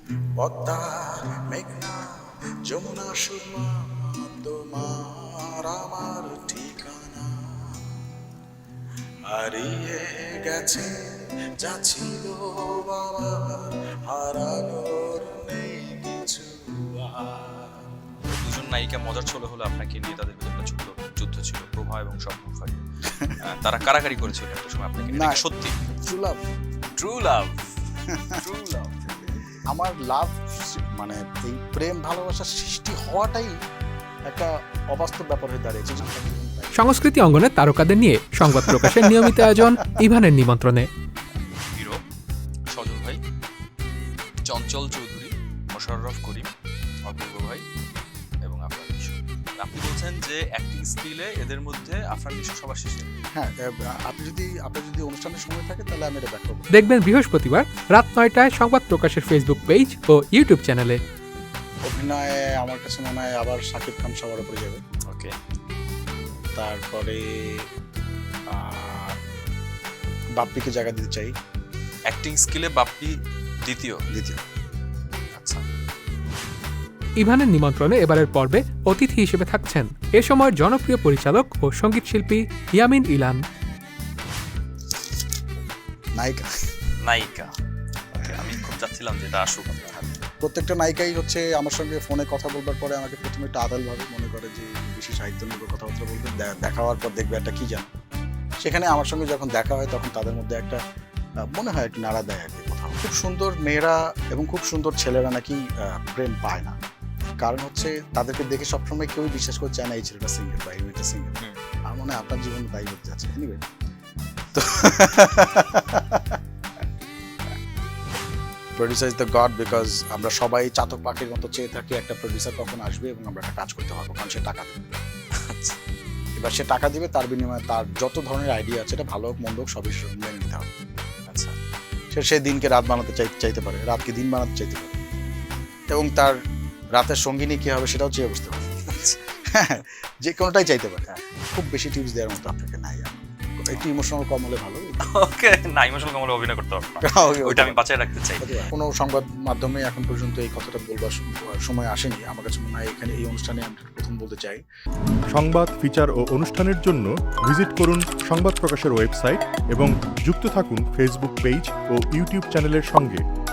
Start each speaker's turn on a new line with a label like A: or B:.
A: পদ্মা মেঘনা যমুনা সুরমা তোমার আমার ঠিকানা হারিয়ে গেছে যা ছিল বাবার হারানোর নেই কিছু আর।
B: দুজন নায়িকা মজার ছলে হলো আপনাকে নিয়ে তাদের ভিতরে একটা ছোট্ট যুদ্ধ ছিল প্রভা এবং স্বপ্ন ফাঁকি তারা কারাকারি করেছিল একটা সময় আপনাকে নিয়ে।
A: না।
B: এটা কি সত্যি?
A: True love
B: true love true love
A: আমার লাভ মানে এই প্রেম ভালোবাসার সৃষ্টি হওয়াটাই একটা অবাস্তব ব্যাপার হয়ে দাঁড়িয়েছে।
C: সংস্কৃতি অঙ্গনের তারকাদের নিয়ে সংবাদ প্রকাশের নিয়মিত আয়োজন ইভানের নিমন্ত্রণে।
B: হিরো সজল ভাই, চঞ্চল চৌধুরী, মোশাররফ করিম, অপূর্ব ভাই এবং আফরান নিশো। আপনি বলছেন যে অ্যাক্টিং স্কিলে এদের মধ্যে আফরান নিশো সবার শেষে।
A: হ্যাঁ, আপনার যদি অনুষ্ঠানের সময় থাকে তাহলে আমি এটা ব্যাক করবো।
C: দেখবেন বৃহস্পতিবার রাত 9টায় সংবাদ প্রকাশের ফেসবুক পেজ ও ইউটিউব চ্যানেলে।
A: অভিনয়ে আমার কাছে মনে হয় আবার শাকিব খান সবার উপরে যাবে।
B: ওকে,
A: তারপরে বাপ্পিকে জায়গা দিতে চাই।
B: অ্যাক্টিং স্কিলে বাপ্পি দ্বিতীয়। আচ্ছা,
C: ইভানের নিমন্ত্রণে এবারের পর্বে অতিথি হিসেবে থাকছেন এ সময়ের জনপ্রিয় পরিচালক ও সঙ্গীত শিল্পী ইয়ামিন ইলান।
A: নায়িকা
B: নায়িকা। ওকে, আমি খুব চাচ্ছিলাম যে এটা আসুক আপনার হাতে।
A: প্রত্যেকটা নায়িকাই হচ্ছে আমার সঙ্গে ফোনে কথা বলবার পরে আমাকে প্রথমে একটা আদালভাবে মনে করে যে বেশি সাহিত্য নির্ভর কথাবার্তা বলবে, দেখা হওয়ার পর দেখবে একটা কি জানো। সেখানে আমার সঙ্গে যখন দেখা হয় তখন তাদের মধ্যে একটা মনে হয় একটু নাড়া দেয় আর কি কোথাও। খুব সুন্দর মেয়েরা এবং খুব সুন্দর ছেলেরা নাকি প্রেম পায় না, কারণ হচ্ছে তাদেরকে দেখে সবসময় কেউই বিশ্বাস করছে না এই ছেলেটা সিঙ্গেল বা এই মেয়েটা সিঙ্গেল। আমার মনে হয় আপনার জীবন তাই হতে যাচ্ছে। এনিওয়ে, তো producer is the god, because আমরা সবাই চাতক পাখির মতো চেয়ে থাকি একটা প্রডিউসার কখন আসবে এবং আমরা একটা কাজ করতে পারবো, কারণ সে টাকা দেবে। এবার সে টাকা দিবে, তার বিনিময়ে তার যত ধরনের আইডিয়া আছে, এটা ভালো হোক মন্দ হোক সবই মেনে নিতে হবে।
B: আচ্ছা,
A: সে দিনকে রাত বানাতে চাইতে পারে, রাতকে দিন বানাতে চাইতে পারে, এবং তার রাতের সঙ্গিনী কি হবে সেটাও চেয়ে বসতে পারে। হ্যাঁ, যে কোনোটাই চাইতে পারে। খুব বেশি টিপস দেওয়ার মতো আপনাকে নাই। একটু ইমোশনাল কম হলে ভালো।
B: ওকে, না ইমোশনাল কমলে অভিনয় করতে পারবো না, ওইটা আমি বাঁচিয়ে রাখতে চাই।
A: কোনো সংবাদ মাধ্যমে এখন পর্যন্ত এই কথাটা বলবার সময় আসেনি। আমার কাছে মনে হয় এখানে এই অনুষ্ঠানে আমি প্রথম বলতে চাই।
D: সংবাদ, ফিচার ও অনুষ্ঠানের জন্য ভিজিট করুন সংবাদ প্রকাশের ওয়েবসাইট এবং যুক্ত থাকুন ফেসবুক পেজ ও ইউটিউব চ্যানেলের সঙ্গে।